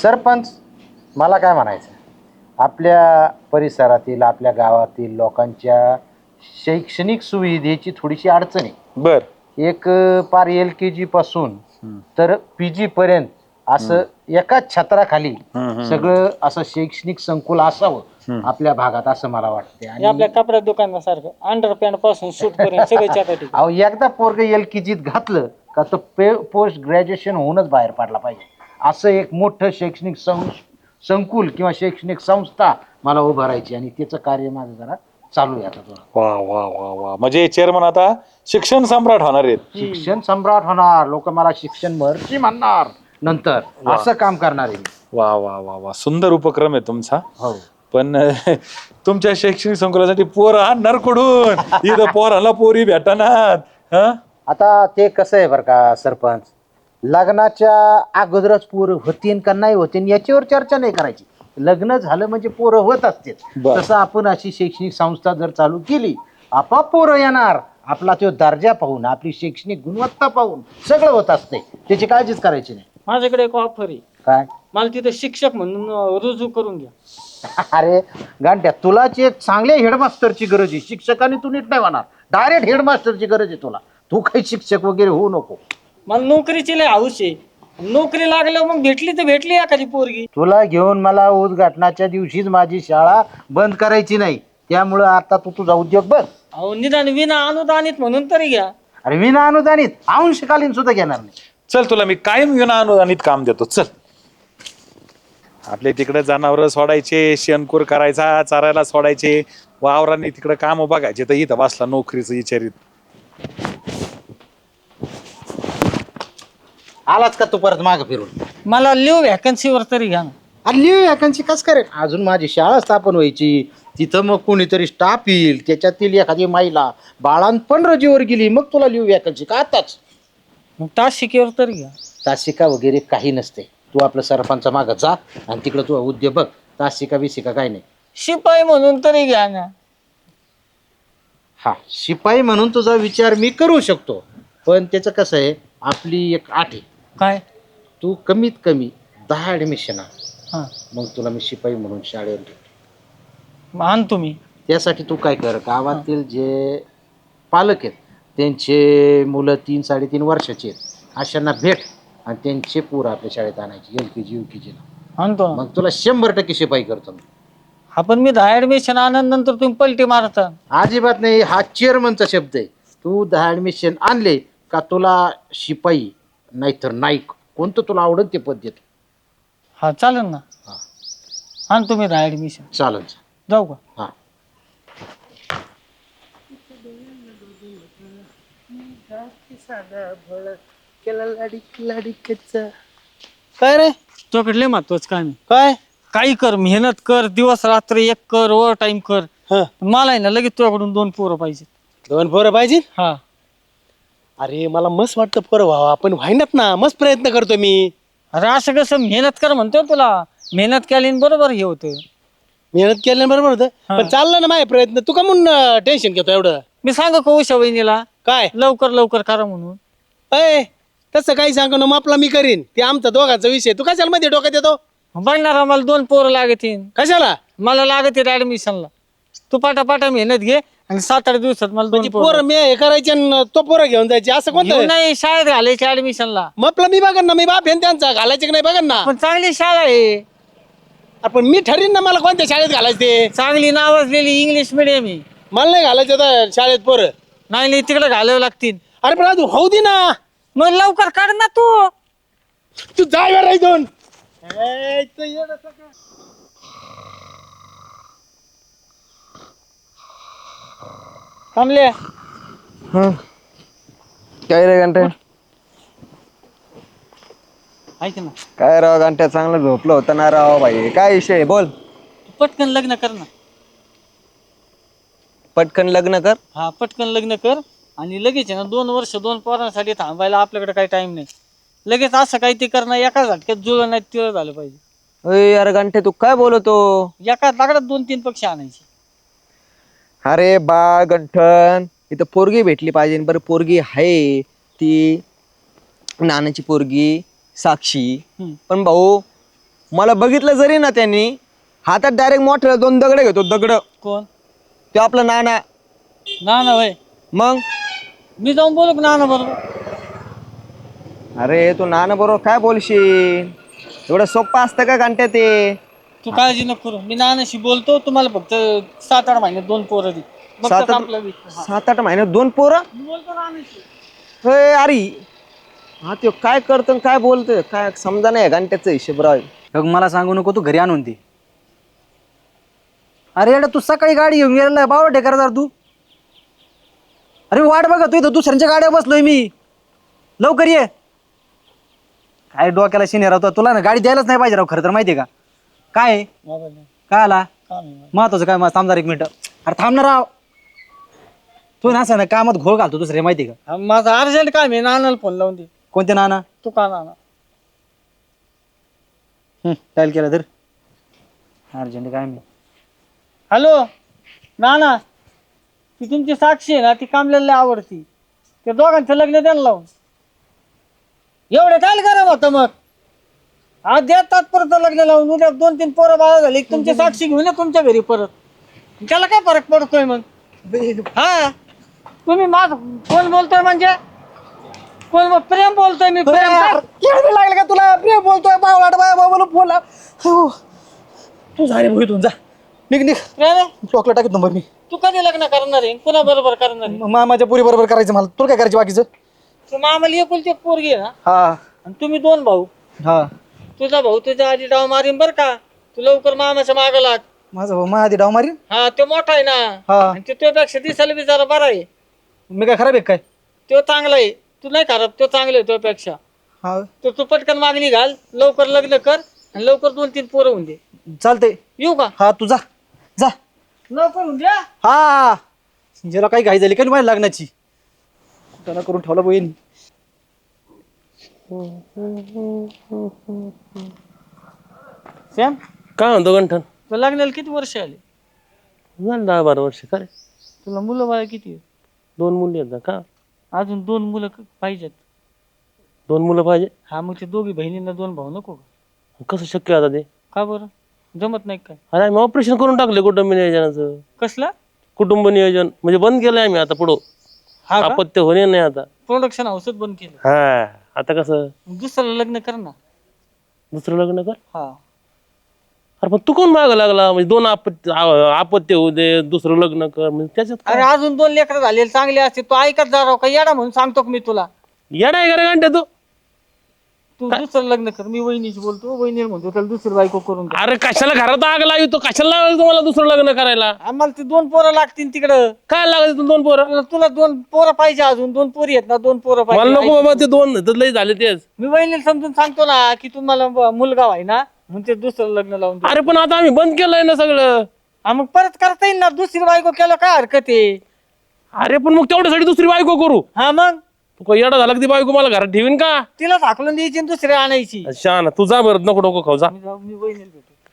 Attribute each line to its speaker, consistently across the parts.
Speaker 1: सरपंच, मला काय म्हणायचं, आपल्या परिसरातील आपल्या गावातील लोकांच्या शैक्षणिक सुविधेची थोडीशी अडचण आहे.
Speaker 2: बर.
Speaker 1: एक पार LKG पासून तर PG पर्यंत असं एकाच छत्राखाली सगळं असं शैक्षणिक संकुल असावं आपल्या भागात, असं मला वाटते.
Speaker 3: हे आपल्या कपड्या दुकानासारखं अंडरपॅन्ट पासून सूट पर्यंत सगळे छाती.
Speaker 1: अहो, एकदा पोरग LKGत घातलं का तो पोस्ट ग्रॅज्युएशन होऊनच बाहेर पडला पाहिजे, असं एक मोठं शैक्षणिक संकुल किंवा शैक्षणिक संस्था मला उभारायची, आणि त्याचं कार्य माझं जरा चालू आहे आता थोडं.
Speaker 2: वा वा वा वा, म्हणजे चेअरमन आता शिक्षण सम्राट होणार आहेत.
Speaker 1: शिक्षण सम्राट होणार, लोक मला शिक्षण महर्षी म्हणणार नंतर, असं काम करणार आहे.
Speaker 2: वा वा वा वा, सुंदर उपक्रम आहे तुमचा.
Speaker 1: हो.
Speaker 2: पण तुमच्या शैक्षणिक संकुलासाठी पोर आणणार कुठून? इथं पोराला पोरी भेटणार.
Speaker 1: आता ते कसं आहे बरं का सरपंच, लग्नाच्या अगोदरच पोरं होतीन का नाही होतीन याच्यावर चर्चा नाही करायची. लग्न झालं म्हणजे पोरं होत असते. तसं आपण अशी शैक्षणिक संस्था जर चालू केली, आपोआप पोरं येणार. आपला तो दर्जा पाहून, आपली शैक्षणिक गुणवत्ता पाहून सगळं होत असते, त्याची काळजीच करायची नाही.
Speaker 3: माझ्याकडे एक ऑफर आहे.
Speaker 1: काय?
Speaker 3: मला तिथे शिक्षक म्हणून रुजू करून घ्या.
Speaker 1: अरे गांड्या, तुलाच एक चांगल्या हेडमास्टरची गरज आहे. शिक्षकाने तू नीट नाही होणार, डायरेक्ट हेडमास्टरची गरज आहे तुला. तू काही शिक्षक वगैरे होऊ नको.
Speaker 3: मला नोकरीची लय हौस आहे. नोकरी लागल्यावर मग भेटली तर भेटली एखादी पोरगी.
Speaker 1: तुला घेऊन मला उद्घाटनाच्या दिवशीच माझी शाळा बंद करायची नाही, त्यामुळं आता तू तुझा उद्योग बघ.
Speaker 3: अहो, निदान विना अनुदानित म्हणून तरी घ्या.
Speaker 1: अरे विना अनुदानित अंशकालीन सुद्धा घेणार नाही.
Speaker 2: चल, तुला मी कायम विना अनुदानित काम देतो. चल, आपल्या तिकडे जनावर सोडायचे, शेणकूर करायचा, चारायला सोडायचे, वावरांनी तिकडे काम बघायचे, तर इथं बसला नोकरीचं विचारित.
Speaker 1: आलाच का तू परत माग फिरून?
Speaker 3: मला लिव व्हॅकन्सीवर तरी घ्या ना.
Speaker 1: अरे लिव वॅकन्सी कस करेल? अजून माझी शाळा स्थापन व्हायची, तिथं मग कोणीतरी स्टाफ येईल, त्याच्यातील एखादी महिला बाळांपण रजेवर गेली, मग तुला लिव वॅकन्सी का आताच?
Speaker 3: मग तास शिकेवर तरी घ्या.
Speaker 1: तासिका वगैरे काही नसते. तू आपलं सरपंच माग जा आणि तिकडं तू उद्योग बघ. तासिका बिसिका काही नाही.
Speaker 3: शिपाई म्हणून तरी घ्या ना.
Speaker 1: हा, शिपाई म्हणून तुझा विचार मी करू शकतो, पण त्याचं कसं आहे, आपली एक अट आहे.
Speaker 3: काय?
Speaker 1: तू कमीत कमी 10 ॲडमिशन आण,
Speaker 3: हा,
Speaker 1: मग तुला मी शिपाई म्हणून शाळेवर घेतो.
Speaker 3: आण तुम्ही.
Speaker 1: त्यासाठी तू काय कर, गावातील जे पालक आहेत त्यांचे मुलं 3-3.5 वर्षाचे आहेत, अशांना भेट आणि त्यांचे पोरं आपल्या शाळेत आणायची, LKG UKGला.
Speaker 3: आणतो ना.
Speaker 1: मग तुला 100% शिपाई करतो मी.
Speaker 3: आपण मी 10 ऍडमिशन आनंद तुम्ही पलटी मारता.
Speaker 1: अजिबात नाही, हा चेअरमनचा शब्द आहे. तू 10 ॲडमिशन आणले का तुला शिपाई नाहीतर नाईक कोणतं तुला आवडत ते पद देतो.
Speaker 3: हा, चालेल ना.
Speaker 1: हा.
Speaker 3: आण तुम्ही 10 ऍडमिशन.
Speaker 1: चालेल.
Speaker 3: जाऊ का?
Speaker 1: हा.
Speaker 3: काय रे, तुझ्याकडे महत्वाचं काम आहे.
Speaker 1: काय?
Speaker 3: काही कर, मेहनत कर, दिवस रात्र एक कर, ओव्हर टाइम कर. मला आहे ना लगेच तुझ्याकडून 2 पोरं पाहिजे.
Speaker 4: 2 पोरं पाहिजे?
Speaker 3: हा.
Speaker 4: अरे मला मस्त वाटतं पोरं व्हावं, आपण व्हायनात ना, मस्त प्रयत्न करतो मी.
Speaker 3: अरे असं कसं, मेहनत कर म्हणतो तुला. मेहनत केल्याने बरोबर हे होतं.
Speaker 4: मेहनत केल्याबरोबर होतं, पण चाललं ना माझे प्रयत्न. तू का म्हणून टेन्शन घेतो एवढं?
Speaker 3: मी सांगू का उषा वहिनीला
Speaker 4: काय?
Speaker 3: लवकर लवकर करा म्हणून.
Speaker 4: अय, तसं काही सांगू ना, मग आपला मी करीन. ते आमचा दोघांचा विषय. तू कशाला मध्ये डोक्यात येतो?
Speaker 3: बघणार आम्हाला 2 पोरं लागतील.
Speaker 4: कशाला?
Speaker 3: मला लागतील ऍडमिशनला. तू पाटा मेहनत घे आणि 7-8 दिवसात मला 2
Speaker 4: पोरं मी हे करायचे आणि तो पोरं घेऊन जायचे, असं कोणतं?
Speaker 3: नाही, शाळेत घालायची ऍडमिशनला.
Speaker 4: मग आपला मी बघन ना, मी बाप आहे त्यांचा, घालायचे की नाही बघन ना.
Speaker 3: पण चांगली शाळा आहे.
Speaker 4: आपण मी ठरीन ना मला कोणत्या शाळेत घालायचं ते.
Speaker 3: चांगली नावाजलेली इंग्लिश मिडियम आहे.
Speaker 4: मला नाही घालायचं आता शाळेत पोरं.
Speaker 3: नाही तिकडे घालावं लागतील.
Speaker 4: अरे पण तू होऊ दे ना,
Speaker 3: मग लवकर काढ ना तू.
Speaker 4: तू जाय बरं इथून.
Speaker 3: थांबले.
Speaker 5: काय रे घंटे?
Speaker 3: ऐक ना,
Speaker 5: काय राव घंट्या, चांगलं झोपलं होतं ना राव भाई. काय विषय आहे? बोल.
Speaker 3: तू पटकन लग्न कर ना.
Speaker 5: पटकन लग्न कर.
Speaker 3: हा, पटकन लग्न कर आणि लगेच आहे ना 2 वर्ष 2 पोरांसाठी थांबायला आपल्याकडे काही टाइम नाही. लगेच असं काही ते करणं, एका झटक्यात जुळलं नाही तिळं झालं पाहिजे.
Speaker 5: अरे यार घंटे, तू काय बोलतो?
Speaker 3: एका दगडात 2-3 पक्षी आणायचे.
Speaker 5: अरे बा गंठन, इथं पोरगी भेटली पाहिजे. बरं पोरगी आहे ती नानाची पोरगी साक्षी. पण भाऊ मला बघितलं जरी ना त्यांनी हातात डायरेक्ट मोठे 2 दगड घेतो दगड.
Speaker 3: कोण?
Speaker 5: ते आपलं नाना.
Speaker 3: ना वय
Speaker 5: मग
Speaker 3: मी जाऊन बोलू ना बरोबर.
Speaker 5: अरे तू नाना बरोबर काय बोलशील? एवढं सोपं असतं का घंट्या ते?
Speaker 3: तू काळजी नको करू, मी नानाशी बोलतो. तुम्हाला फक्त 7-8 महिन्यात 2 पोरं दे. बघ
Speaker 5: सात-
Speaker 3: तसं आपलं बी. हा.
Speaker 5: 7-8 महिन्यात 2 पोरं?
Speaker 3: मी बोलतो नानाशी.
Speaker 5: होय अरे हा ते काय करतो काय बोलतोय काय समजा नाही घंट्याचं हिशोबराव.
Speaker 6: बघ मला सांगू नको, तू घरी आणून दे. अरे एवढा तू सकाळी गाडी घेऊन गेलेला बाबा ढेकर तू. अरे वाट बघा तू इथं दुसऱ्यांच्या गाड्या बसलोय मी. लवकर ये. काय डोक्याला शिने राहतो तुला ना, गाडी द्यायलाच नाही पाहिजे राव खरं तर, माहितीये का काय आहे?
Speaker 3: मोबाईल नाही.
Speaker 6: काय आला
Speaker 3: काम आहे.
Speaker 6: महत्वाचं काय? थांब जरा 1 मिनिट. अरे थांब ना राव, तू ना असं ना कामात घोळ घालतो दुसरे, माहिती का?
Speaker 3: हा, माझं अर्जंट काम आहे, नानाला फोन लावून दे.
Speaker 6: कोणते नाना?
Speaker 3: तू का नाना?
Speaker 6: डायल केला तर अर्जंट काय मी.
Speaker 3: हॅलो नाना, ती तुमची साक्षी आहे ना, ती कामल्याला आवडती. त्या दोघांचं लग्न द्यायला लावून. एवढं काय गरम होतं मग? आज देतात परत लग्न लावून. उद्या 2-3 पोरं बाळा झाली, तुमची साक्षी घेऊन या तुमच्या घरी परत. त्याला काय फरक पडतोय मग? हा तुम्ही माझ कोण बोलतोय म्हणजे? कोण प्रेम बोलतोय मी? प्रेम
Speaker 6: लागलं का तुला? प्रिय बोलतोय बावळाट बाय बाबा फोन लाव. तू झाले भोईत जा, निघ निघ.
Speaker 3: प्रेम आहे?
Speaker 6: ब्लॉकला टाकत नंबर मी.
Speaker 3: तू कधी लग्न करणार आहे? कुणा बरोबर करणार आहे?
Speaker 6: मामाच्या पुरी बरोबर करायचं मला. तुला काय करायचं बाकीचं?
Speaker 3: तू मामाला एकुलती एक पोरगी आहे ना,
Speaker 6: हा
Speaker 3: आणि तुम्ही 2 भाऊ.
Speaker 6: हा
Speaker 3: तुझा भाऊ तुझ्या आधी डाव मारीन बर का. तू लवकर मामाच्या माग लाग.
Speaker 6: माझा भाऊ माझ्या आधी डाव मारीन.
Speaker 3: हा तो मोठा आहे ना,
Speaker 6: हा
Speaker 3: आणि तो तुझ्यापेक्षा दिसायला बी जरा बरा आहे.
Speaker 6: मी काय खराब आहे काय?
Speaker 3: तो चांगला आहे, तू नाही खराब, तो चांगला आहे तुझ्यापेक्षा.
Speaker 6: हा
Speaker 3: तर तू पटकन मागणी घाल, लवकर लग्न कर, आणि लवकर 2-3 पोरं होऊन दे.
Speaker 6: चालते.
Speaker 3: येऊ का?
Speaker 6: हा तू जा जा.
Speaker 3: लवकर होऊन द्या.
Speaker 6: हा ज्याला काही घाई झाली का माझ्या लग्नाची, त्याला करून ठेवला बहीण.
Speaker 3: सॅम,
Speaker 7: काय म्हणतो गंठन?
Speaker 3: तुला लग्नाला किती वर्ष आले?
Speaker 7: झालं 10-12 वर्ष. काय
Speaker 3: तुला मुलं बाळा किती आहेत?
Speaker 7: 2 मुली आहेत ना? का
Speaker 3: अजून 2 मुलं पाहिजेत.
Speaker 7: 2 मुलं पाहिजे?
Speaker 3: हा मग ते दोघी बहिणींना 2 भाऊ नको का?
Speaker 7: कसं शक्य आता ते?
Speaker 3: का बरं जमत नाही काय?
Speaker 7: अरे आम्ही ऑपरेशन करून टाकले कुटुंब नियोजनाचं.
Speaker 3: कसलं?
Speaker 7: कुटुंब नियोजन म्हणजे बंद केलंय आम्ही आता पुढं.
Speaker 3: हा का?
Speaker 7: अपत्य होणे नाही आता.
Speaker 3: प्रोडक्शन हाऊसच बंद केलं.
Speaker 7: हा आता कसं
Speaker 3: दुसरं लग्न कर ना.
Speaker 7: दुसरं लग्न कर.
Speaker 3: हा
Speaker 7: अरे पण तू कोण माग लागला? म्हणजे 2 अपत्य होऊ दे, दुसरं लग्न कर, म्हणजे त्याच्यात
Speaker 3: अरे अजून 2 लेकरं झालेले चांगले असते. तू ऐकत जा राव का येडा म्हणून सांगतो का मी तुला?
Speaker 7: येडा आहे का रे गंठ्या तू?
Speaker 3: तू दुसरं लग्न कर. मी वहिनीशी बोलतो, वहिनी म्हणतो त्याला दुसरी बायको करून दे.
Speaker 7: अरे कशाला घरात आग लावी तो? कशाला लावायला तुम्हाला दुसरं लग्न करायला?
Speaker 3: आम्हाला ते 2 पोरं लागतील तिकडं.
Speaker 7: काय लागत 2 पोरं?
Speaker 3: तुला 2 पोरं पाहिजे, अजून 2 पोरी आहेत ना, 2 पोरं
Speaker 7: मला नको
Speaker 3: पाहिजे.
Speaker 7: बाबा ते 2 तर लय झाले तेच.
Speaker 3: मी वहिनीला समजून सांगतो ना की तुम्हाला मुलगा आहे ना, म्हणून ते दुसरं लग्न लावून दे.
Speaker 7: अरे पण आता आम्ही बंद केलंय ना सगळं.
Speaker 3: हा मग परत करता येईल ना, दुसरी बायको केलं काय हरकत आहे?
Speaker 7: अरे पण मग तेवढ्यासाठी दुसरी बायको करू?
Speaker 3: हा मग
Speaker 7: तू काही येडा झाला की ती बायको मला घरात ठेवीन का?
Speaker 3: तिला झाकलून द्यायची आणि दुसरी आणायची.
Speaker 7: अच्छा ना, तू जा बरं, नको नको खाऊ जा.
Speaker 3: मी वहिनीला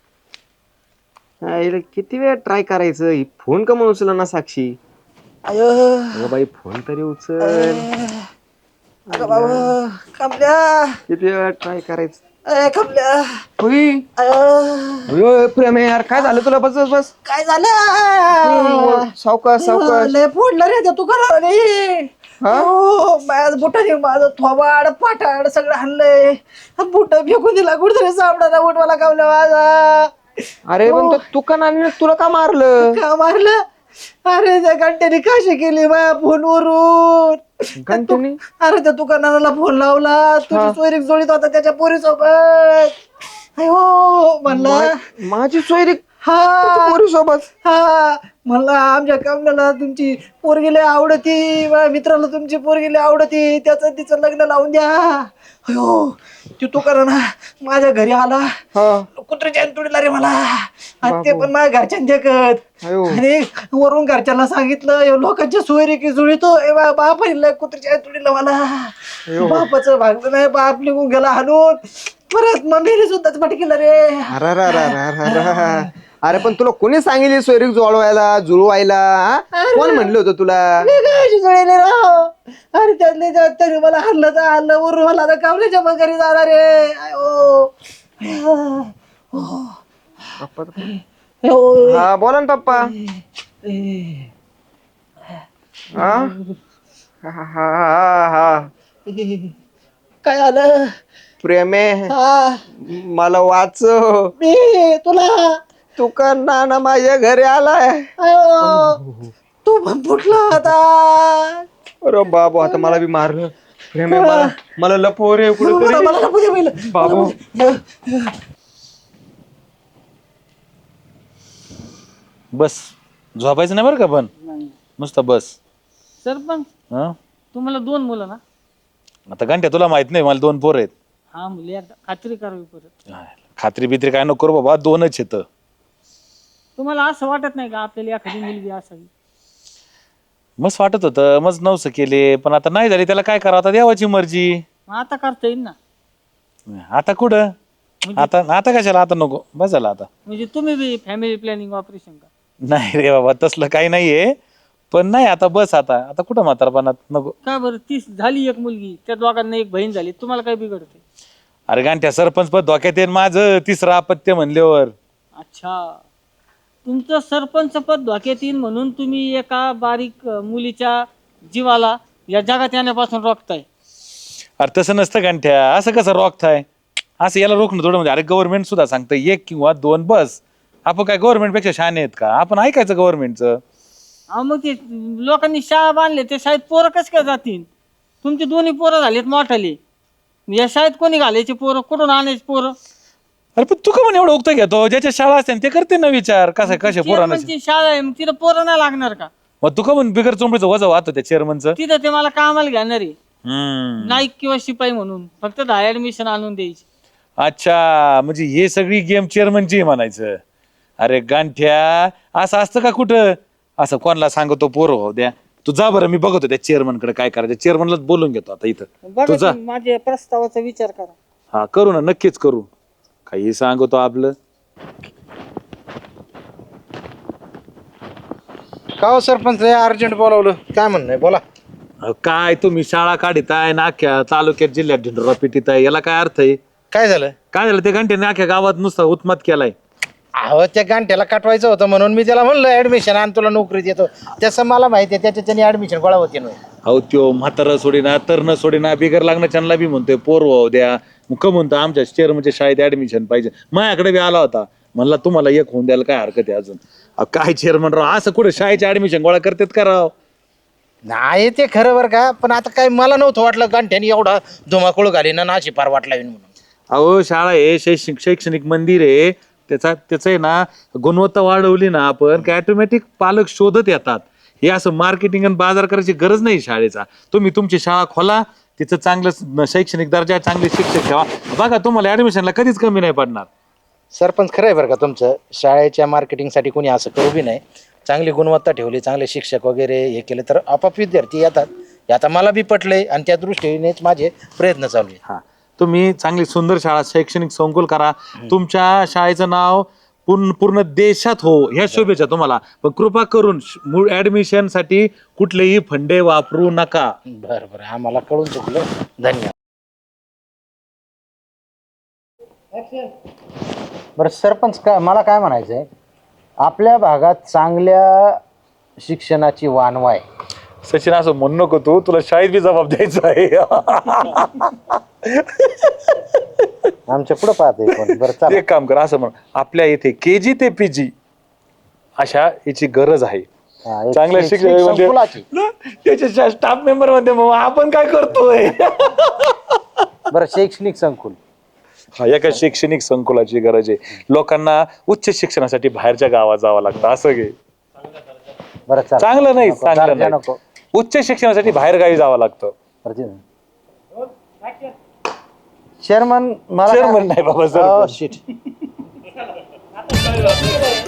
Speaker 3: भेटू.
Speaker 5: किती वेळ ट्राय करायचं? ही फोन का म्हणून उचला ना साक्षी? अगं बाई फोन तरी उचल.
Speaker 6: अगं बाबा कमल्या,
Speaker 5: किती वेळ ट्राय करायचं?
Speaker 6: कमल्या
Speaker 5: होई होय, प्रेम आहे यार. काय झालं तुला? बस बस बस.
Speaker 6: काय झालं?
Speaker 5: सावकाश सावकाश.
Speaker 6: लय फोडलं रे ते, तू करा रे. हो माझ्या बुटाने माझं थोबाड पाठाड सगळं हाणलंय. बुट फेकून दिला कुठतरी सापडा बुट मला कावला माझा.
Speaker 5: अरे पण तू का नानी तुला का मारलं?
Speaker 6: का मारलं? अरे त्या घंट्याने काशी केली माझ्या फोनवरून.
Speaker 5: घंट्याने?
Speaker 6: अरे त्या दुकानाला फोन लावला, तुझी सोयरीक जोडीत होता त्याच्या पोरीसोबत. हो म्हणला
Speaker 5: माझी सोयरी
Speaker 6: हा
Speaker 5: पोरी सोबत.
Speaker 6: हा म्हणला आमच्या कमल्याला तुमची पोरगी लय आवडती, माझ्या मित्राला तुमची पोरगी लय आवडती, त्याचं तिचं लग्न लावून द्या. अयो तू करा ना. माझ्या घरी आला कुत्र्याच्या तुडीला रे मला, आणि ते पण माझ्या घरच्यां देखत. आणि वरून घरच्यांना सांगितलं लोकांच्या सोयरी की जुळीतो बाप कुत्र्याच्या तुडीला मला. बापाचं भागलं नाही, बाप निघून गेला हाणून. परत मम्मीने सुद्धा पटकेलं रे.
Speaker 5: अरे पण तुला कोणी सांगितली सोयरीक जुळवायला? कोण म्हणलं होतं तुला?
Speaker 6: जुळले राव. अरे त्यातले त्यात तरी मला हल्लं तर हल्लं, वरून मला आता कामल्याच्या घरी जाणार रे.
Speaker 5: हा बोला ना पप्पा. हा हा हा हा.
Speaker 6: काय आलं?
Speaker 5: प्रेम आहे,
Speaker 6: हा
Speaker 5: मला वाचव.
Speaker 6: मी तुला
Speaker 5: तू का नाना माझ्या घरी आलाय.
Speaker 6: अयो, तू पण फुटला आता.
Speaker 5: अरे बाबू आता मला बी मारलं. प्रेम आहे, मला मला लपव रे
Speaker 6: मला
Speaker 5: कुठेतरी.
Speaker 6: मला लपू दे पहिलं.
Speaker 5: बाबू
Speaker 2: बस झोपायचं नाही बरं का पण नुसतं बस.
Speaker 3: सरपंच
Speaker 2: हं?
Speaker 3: तुम्हाला 2 मुलं ना?
Speaker 2: आता घंट्या तुला माहित नाही मला 2 पोर आहेत.
Speaker 3: हा मुली एकदा खात्री करावी परत.
Speaker 2: खात्री बित्री काय नको करू बाबा, 2च येतं.
Speaker 3: तुम्हाला असं वाटत नाही का आपल्याला एखादी मुलगी असावी?
Speaker 2: मस्त वाटत होतं, मस्त नवसं केले, पण आता नाही झाली त्याला काय करावं, आता देवाची मर्जी.
Speaker 3: मग आता करता येईल ना.
Speaker 2: आता कुठं आता आता कशाला, आता नको, बस झालं आता.
Speaker 3: म्हणजे तुम्ही बी फॅमिली प्लॅनिंग ऑपरेशन का?
Speaker 2: नाही रे बाबा तसलं काही नाहीये, पण नाही आता बस आता आता कुठं म्हातारपणात नको.
Speaker 3: का बरं? 30 झाली एक मुलगी, त्या दोघांना एक बहीण झाली, तुम्हाला काय बिघडते?
Speaker 2: अरे गांठ्या सरपंच पद धोक्यात येईल माझं, 3रं अपत्य म्हणल्यावर.
Speaker 3: अच्छा, तुमचं सरपंच पद धोक्यात येईल म्हणून तुम्ही एका बारीक मुलीच्या जीवाला या जगात येण्यापासून रोखताय.
Speaker 2: अरे तसं नसतं गांठ्या, असं कसं रोखताय? असं याला रोखणं थोडं म्हणजे, अरे गव्हर्नमेंट सुद्धा सांगतं 1 किंवा 2 बस. आपण काय गव्हर्नमेंट पेक्षा शहाणे आहेत का? आपण ऐकायचं गव्हर्नमेंटचं.
Speaker 3: अहो मग ते लोकांनी शाळा बांधले, ते शाळेत पोरं कसं काय जातील? तुमचे दोन्ही पोरं झालेत मोठाले, या शाळेत कोणी घालायचे पोरं? कुठून आणायचे पोरं?
Speaker 2: अरे पण तू का म्हणे एवढं उगतं घेतो? ज्याच्या शाळा असते ते करते ना विचार, कसं कशा पोरांना.
Speaker 3: चेअरमनची शाळा आहे, मग तिथं पोरं नाही लागणार का?
Speaker 2: मग तू का म्हणे बिगर चोंबडीचं वजा वाहतो त्या चेअरमनचं?
Speaker 3: तिथं ते मला कामाला घेणार आहे, नाईक किंवा शिपाई म्हणून, फक्त 10 ऍडमिशन आणून द्यायची.
Speaker 2: अच्छा, म्हणजे हे सगळी गेम चेअरमनची म्हणायचं. अरे गांठ्या असं असतं का कुठं? असं कोणाला सांगतो पोरं हो द्या, तू जा बरं, मी बघतो त्या चेअरमन कडे काय करायचं. चेअरमनलाच बोलून घेतो आता इथं.
Speaker 3: बघा
Speaker 2: तू जा.
Speaker 3: तुम्ही माझ्या प्रस्तावाचा विचार करा.
Speaker 2: हा करू ना, नक्कीच करू. काही सांगतो आपलं.
Speaker 1: का हो सरपंच अर्जंट बोलावलं, काय म्हणणं आहे बोला.
Speaker 2: अहो, काय तुम्ही शाळा काढिताय ना, अख्ख्या तालुक्यात जिल्ह्यात ढिंडोरा पिटीताय, याला काय अर्थ आहे?
Speaker 1: काय झालं?
Speaker 2: काय झालं ते घंट्याने अख्ख्या गावात नुसता उत्मात केलाय.
Speaker 1: अहो त्या गांठ्याला काटवायचं होतं म्हणून मी त्याला म्हणलं ऍडमिशन आण, तुला नोकरीत येतो. तसं मला माहिती आहे त्याच्याने ऍडमिशन गोळा होते नाही.
Speaker 2: अहो त्यो म्हातारा सोडीना तरण सोडीना बिगर लागण्याच्या बी म्हणतोय पोर वाहू द्या. मग का म्हणतो आमच्या चेअरमनच्या शाळेत ऍडमिशन पाहिजे. माझ्याकडे बी आला होता, म्हणला तुम्हाला एक होऊन द्यायला काय हरकत आहे अजून. अहो, काय चेअरमन राव, असं कुठे शाळेचे ऍडमिशन गोळा करतात का राव?
Speaker 1: नाही ते खरं बरं का, पण आता काय मला नव्हतं वाटलं गांठ्याने एवढा धुमाकूळ घाली ना नाशी पार वाटला म्हणून.
Speaker 2: अहो शाळा आहे शैक्षणिक मंदिर आहे, त्याचं आहे ना गुणवत्ता वाढवली ना आपण काय ऑटोमॅटिक पालक शोधत येतात. हे असं मार्केटिंग आणि बाजार करायची गरज नाही शाळेचा. तुम्ही तुमची शाळा खोला, तिचं चांगलं शैक्षणिक दर्जा, चांगले शिक्षक ठेवा, बघा तुम्हाला ऍडमिशनला कधीच कमी नाही पडणार.
Speaker 1: सरपंच खरं आहे बरं का तुमचं, शाळेच्या मार्केटिंगसाठी कोणी असं करू बी नाही. चांगली गुणवत्ता ठेवली, चांगले शिक्षक वगैरे हे केले तर आपाप विद्यार्थी येतात. हे आता मला बी पटलंय आणि त्या दृष्टीनेच माझे प्रयत्न चालू आहे.
Speaker 2: हा, तुम्ही चांगली सुंदर शाळा शैक्षणिक संकुल करा, तुमच्या शाळेचं नाव पूर्ण देशात हो ह्या शुभेच्छा तुम्हाला. पण कृपा करून मूळ ऍडमिशन साठी कुठलेही फंडे वापरू नका.
Speaker 1: बरं बरं, आम्हाला कळून चुकलं, धन्यवाद. बरं सरपंच, मला काय म्हणायचं आहे, आपल्या भागात चांगल्या शिक्षणाची वानवा आहे.
Speaker 2: सचिन असं म्हणू नको, तुला शाळेत बी जबाब द्यायचा आहे.
Speaker 1: आमच्या पुढं पाहते कोण. बरं चला.
Speaker 2: एक काम कर, असं म्हण, आपल्या इथे KG ते PG अशा याची गरज आहे.
Speaker 1: हा, एक
Speaker 2: चांगल्या
Speaker 1: शैक्षणिक
Speaker 2: शिक्षण
Speaker 1: संकुलाची.
Speaker 2: त्याच्या स्टाफ मेंबर मध्ये मग आपण काय करतोय?
Speaker 1: बरं शैक्षणिक संकुल.
Speaker 2: हा, एका शैक्षणिक संकुलाची गरज आहे. लोकांना उच्च शिक्षणासाठी बाहेरच्या गावात जावं लागतं, असं घे.
Speaker 1: बरं चला.
Speaker 2: चांगलं नाही,
Speaker 1: नको,
Speaker 2: चांगलं
Speaker 1: दर्जा
Speaker 2: नाही.
Speaker 1: नको.
Speaker 2: उच्च शिक्षणासाठी बाहेर गावी जावं लागतं.
Speaker 1: चेअरमन मला
Speaker 2: चेअरमन नाही बाबा,
Speaker 1: Oh,
Speaker 2: सरपंच.
Speaker 1: shit.